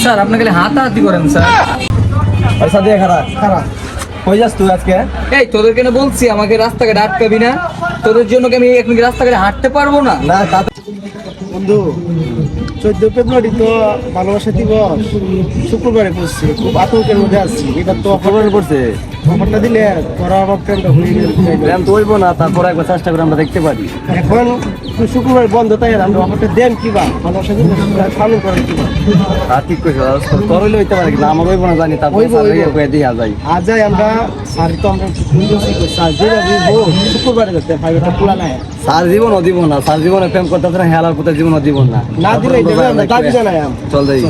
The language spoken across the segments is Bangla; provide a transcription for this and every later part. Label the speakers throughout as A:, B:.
A: স্যার আপনি খালি হাতাহাতি করেন স্যার।
B: পয়সা দিয়ে খারাপ খারাপ কই যাস তুই আজকে?
A: এই তোদেরকে না বলছি আমাকে রাস্তাঘাটে আটকাবি না, তোদের জন্য কি আমি এখন কি রাস্তাঘাটে হাঁটতে পারবো না?
B: না
C: বন্ধু 14 ফেব্রুয়ারি তো ভালোবাসা দিবস শুক্রবারে পড়ছে, খুব আতঙ্কের মধ্যে আছি। এটা তো
B: খবর পড়ছে
C: অফারটা দিলে তোরা আমার প্রেমটা হয়ে গেল।
B: প্রেম তো হইব না, তারপর একবার চেষ্টা করে আমরা দেখতে পারি।
C: এখন তুই শুক্রবার বন্ধ, তাই আমরা অফারটা দেন কিবা ভালোবাসা দিবস পালন করেন কিবা।
B: আর ঠিক কইছ, তোর হইলে হইতে পারে কিন্তু আমার হইব না জানি। তারপর
C: হইবো, হইবো।
B: কয়ে দিয়া যাই।
C: আজ যাই আমরা সারি তো আমরা যেভাবে হোক শুক্রবারে যাতে ফাইভটা খোলা নাই
B: সার জীবন ও দিব না, সার জীবনে প্রেম করতে হবে না, হেলার পথে জীবন ও জীবন না।
C: না দিলে আমরা দাবি জানাই আমি।
B: চল যাই।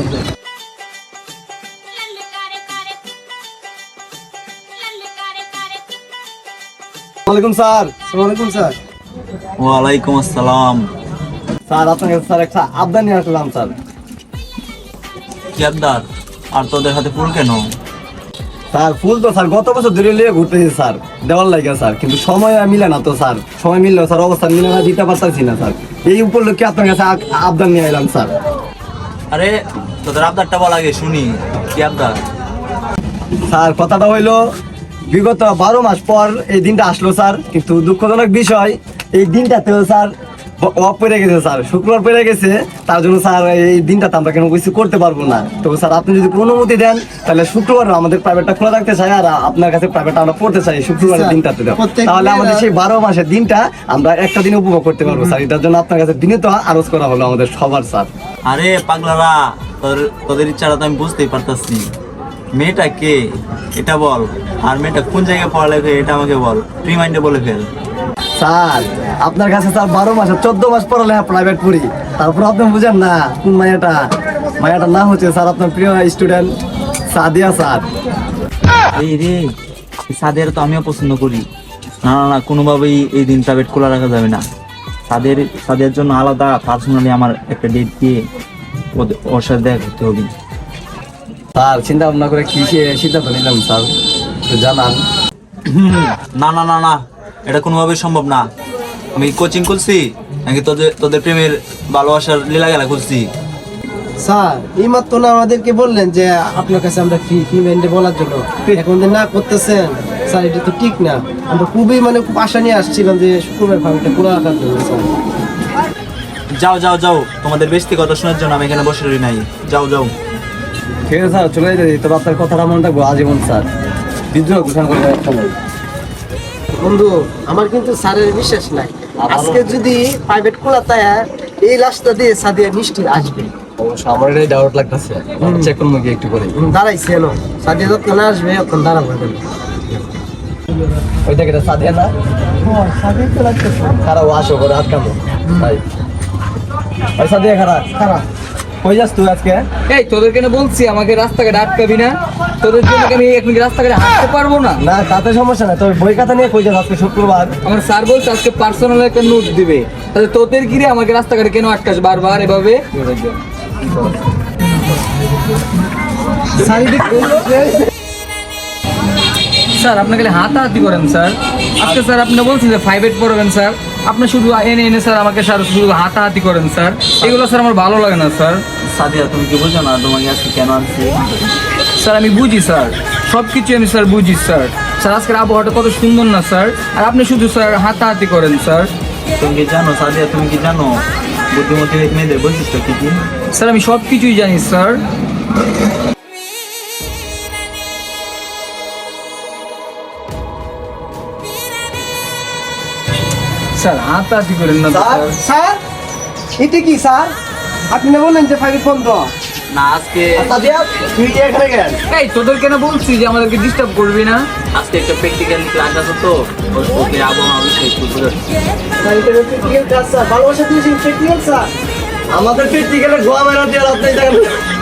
B: ওয়ালাইকুম স্যার।
C: আসসালামাইকুম স্যার।
D: ওয়ালাইকুম আসসালাম।
B: স্যার আপনার কাছে স্যার একটা আবদার নিয়ে আসলাম স্যার।
D: কি আবদার? আর তোদের হাতে ফুল কেন?
B: স্যার ফুল তো স্যার গত বছর ধরে লিয়ে ঘুরতেছি স্যার, দেওয়ার লাগে স্যার, কিন্তু সময় মিলে না তো স্যার। সময় মিললেও স্যার অবস্থা মিলে না, দিতে পারতেছি না স্যার। এই উপলক্ষে আপনার কাছে আবদার নিয়ে এলাম স্যার।
D: আরে তোদের আবদারটা বল আগে শুনি, কি আবদার?
B: স্যার কথাটা হইলো, বিগত 12 মাস পর এই দিনটা আসলো স্যার, কিন্তু দুঃখজনক বিষয় এই দিনটাতেও স্যার অফ পড়ে গেছে স্যার, শুক্রবার পড়ে গেছে। তার জন্য স্যার এই দিনটাতে আমরা কেন কিছু করতে পারবো না। তো স্যার আপনি যদি কোনো অনুমতি দেন তাহলে শুক্রবার আমাদের প্রাইভেটটা খোলা রাখতে চাই, আর আপনার কাছে প্রাইভেটটা আমরা পড়তে চাই শুক্রবারের দিনটাতে দেন। তাহলে আমাদের সেই 12 মাসের দিনটা আমরা একটা দিন উপভোগ করতে পারবো স্যার। এটার জন্য আপনার কাছে বিনীত আরজ করা হলো আমাদের সবার স্যার।
D: আরে পাগলারা, তোদের ইচ্ছাটা তো আমি বুঝতেই পারতাছি। মেয়েটা কে এটা বল, আর মেয়েটা কোন জায়গায় পড়ালেখা এটা আমাকে বল, ফ্রি মাইন্ডে বলে ফেল।
B: স্যার আপনার কাছে স্যার 12 মাসে 14 মাস পড়ালেখা প্রাইভেট পড়ি, তারপর আপনি বুঝেন না কোন মায়াটার নাম হচ্ছে স্যার আপনার প্রিয় স্টুডেন্ট সাদিয়া স্যার।
D: এই রে, সাদের তো আমিও পছন্দ করি। না না না, কোনোভাবেই এই দিন প্রাইভেট খোলা রাখা যাবে না। সাদের জন্য আলাদা পার্সোনালি আমার একটা ডেট দিয়ে ওর সাথে দেখা করতে হবে।
B: স্যার চিন্তা ভাবনা করে কি সিদ্ধান্ত নিলাম স্যার একটু জানান।
D: না না না না, এটা কোনোভাবেই সম্ভব না। আমি কোচিং করছি নাকি তোদের প্রেমের ভালোবাসার লীলা খেলা করছি?
C: স্যার এই মাত্র না আমাদেরকে বললেন যে আপনার কাছে আমরা ফ্রি মাইন্ডে বলার জন্য, এখন যে না করতেছেন স্যার এটা তো ঠিক না। আমরা খুবই খুব আশা নিয়ে আসছিলাম যে শুক্রবার ফাইভটা খোলা রাখার জন্য স্যার।
D: যাও যাও যাও, তোমাদের বেশি কথা শোনার জন্য আমি এখানে বসে রই নাই। যাও যাও।
B: ঠিক আছে স্যার, চলে যেতে দিই। তবে আপনার কথাটা মনে রাখবো আজীবন স্যার। বিদ্রোহ ঘোষণা করে একটা নয়।
C: বন্ধু আমার কিন্তু স্যারের বিশ্বাস নাই। আজকে যদি প্রাইভেট খোলা তাই এই রাস্তা দিয়ে সাদিয়া মিষ্টি আসবে।
B: অবশ্য আমার এটাই ডাউট লাগতেছে, চেক করবো কি একটু করে।
C: দাঁড়াইছে এলো সাদিয়া যখন না আসবে তখন দাঁড়াবো।
B: ওই দেখে সাদিয়া না
C: সাদিয়া তো লাগতেছে
B: খারাপ আসো করে আটকামো তাই। ওই সাদিয়া খারাপ
C: খারাপ।
B: কই যাস তুই আজকে?
A: এই তোদেরকে না বলছি আমাকে রাস্তাঘাটে আটকাবি না, তোদের জন্য কি আমি এখন কি রাস্তাঘাটে হাঁটতে পারবো না?
B: না তাতে সমস্যা নাই, তবে বই খাতা নিয়ে কই যাস আজকে শুক্রবার?
A: আমার স্যার বলছে আজকে পার্সোনাল একটা নোট দিবে, তাহলে তোদের গিরে আমাকে রাস্তাঘাটে কেন আটকাস বারবার এভাবে? স্যার আপনি খালি হাতাহাতি করেন স্যার। আজকে স্যার আপনি বলছেন যে 5 পড়বেন স্যার, আপনি শুধু এনে স্যার আমাকে স্যার শুধু হাতাহাতি করেন স্যার। এগুলো স্যার আমার ভালো লাগে না স্যার।
D: সাদিয়া তুমি কি বোঝো না তোমাকে আজকে কেন আনছি?
A: স্যার আমি বুঝি স্যার, সব কিছু আমি স্যার বুঝি স্যার। স্যার আজকের আবহাওয়াটা কত সুন্দর না স্যার, আর আপনি শুধু স্যার হাতাহাতি করেন স্যার।
D: তুমি কি জানো সাদিয়া, তুমি কি জানো বুদ্ধিমতী মেয়েদের বৈশিষ্ট্য কি কি?
A: স্যার আমি সব কিছুই জানি স্যার। স্যার হাতাহাতি করেন না
C: স্যার
A: স্যার।
C: স্যার এটা কি স্যার? আপনি না বললেন যে ফাইভ বন্ধ?
D: না আজকে
C: সাদিয়া তুই কি এখানে গেল?
A: এই তোদের কেন বলছি যে আমাদেরকে ডিস্টার্ব করবি না?
D: আজকে একটা প্র্যাকটিক্যাল ক্লাস আছে তো, ওকে আবহাওয়া বিষয়ে একটু বোঝাচ্ছি।
C: স্যার এটা প্র্যাকটিক্যাল ক্লাস স্যার, ভালোবাসা দিয়েছেন প্র্যাকটিক্যাল স্যার।
B: আমাদের পেট গেলে গোয়া মেরা দিয়ে আপনি